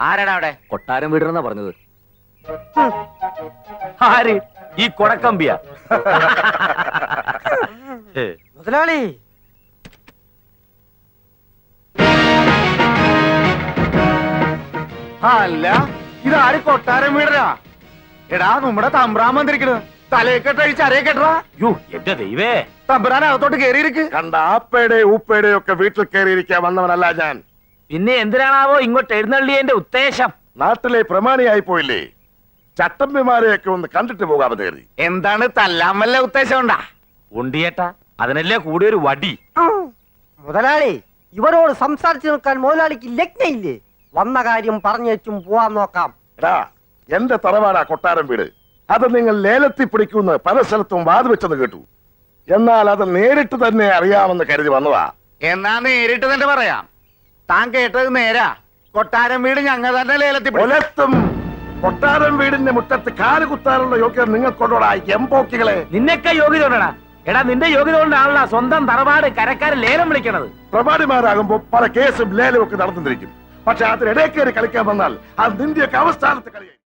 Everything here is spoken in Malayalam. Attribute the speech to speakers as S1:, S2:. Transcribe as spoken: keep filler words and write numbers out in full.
S1: ആരാടാ അവിടെ?
S2: കൊട്ടാരം വീടണെന്നാ പറഞ്ഞത്.
S1: ആര്? ഈ കൊടക്കമ്പിയ?
S3: മുതലാളി,
S4: അല്ല ഇതാര് കൊട്ടാരം വീടരാ? എടാ നമ്മുടെ തമ്പ്രാൻ വന്നിരിക്കണ്. തലയെക്കെട്ടഴിച്ച് അരയെക്കെട്ടാ.
S1: യോ എന്റെ ദൈവേ,
S4: തമ്പ്രാൻ അകത്തോട്ട് കേറിയിരിക്ക്.
S5: കണ്ട ആപ്പയുടെ ഊപ്പയുടെ ഒക്കെ വീട്ടിൽ കയറിയിരിക്കാൻ വന്നവനല്ല ഞാൻ.
S1: പിന്നെ എന്തിനാണാവോ ഇങ്ങോട്ട് എഴുന്നള്ളിയതിന്റെ ഉദ്ദേശം?
S5: നാട്ടിലെ പ്രമാണിയായി പോയില്ലേ, ചട്ടമ്പിമാരെയൊക്കെ ഒന്ന് കണ്ടിട്ട് പോകാമെന്ന് കരുതി.
S4: എന്താണ് തല്ലാൻ വല്ല ഉദ്ദേശം ഉണ്ടാ?
S1: ഉണ്ടിയേട്ടാ, അതിനല്ലേ കൂടിയൊരു വടി.
S3: മുതലാളി, ഇവരോട് സംസാരിച്ചു നിൽക്കാൻ മുതലാളിക്ക് ലഗ്നയില്ലേ? വന്ന കാര്യം പറഞ്ഞേച്ചും പോവാൻ നോക്കാം.
S5: എടാ, എന്റെ തറവാടാ കൊട്ടാരം വീട്. അത് നിങ്ങൾ ലേലത്തിൽ പിടിക്കുമെന്ന് പല സ്ഥലത്തും വാതുവെച്ചെന്ന് കേട്ടു. എന്നാൽ അത് നേരിട്ട് തന്നെ അറിയാമെന്ന് കരുതി വന്നതാ.
S4: എന്നാ നേരിട്ട് തന്നെ പറയാം. താൻ കേട്ടത് നേരാ. കൊട്ടാരം വീട് ഞങ്ങൾ തന്നെ ലേലത്തിൽ പിടിക്കും.
S5: ഒലത്തും കൊട്ടാരം വീടിന്റെ മുറ്റത്ത് കാല് കുത്താനുള്ള യോഗ്യത നിങ്ങൾക്കൊണ്ടോടാ എംപോക്കികളെ.
S1: നിന്നൊക്കെ യോഗ്യത കൊണ്ടാ? എടാ, നിന്റെ യോഗ്യത കൊണ്ടാണല്ലോ സ്വന്തം തറവാട് കരക്കാരൻ ലേലം വിളിക്കണത്.
S5: പ്രമാണിമാരാകുമ്പോ പല കേസും ലേലവും ഒക്കെ നടന്നിരിക്കും. പക്ഷെ അതിനിടയിൽ കയറി കളിക്കാൻ വന്നാൽ അത് നിന്റെയൊക്കെ അവസ്ഥാനത്ത് കളിയായി.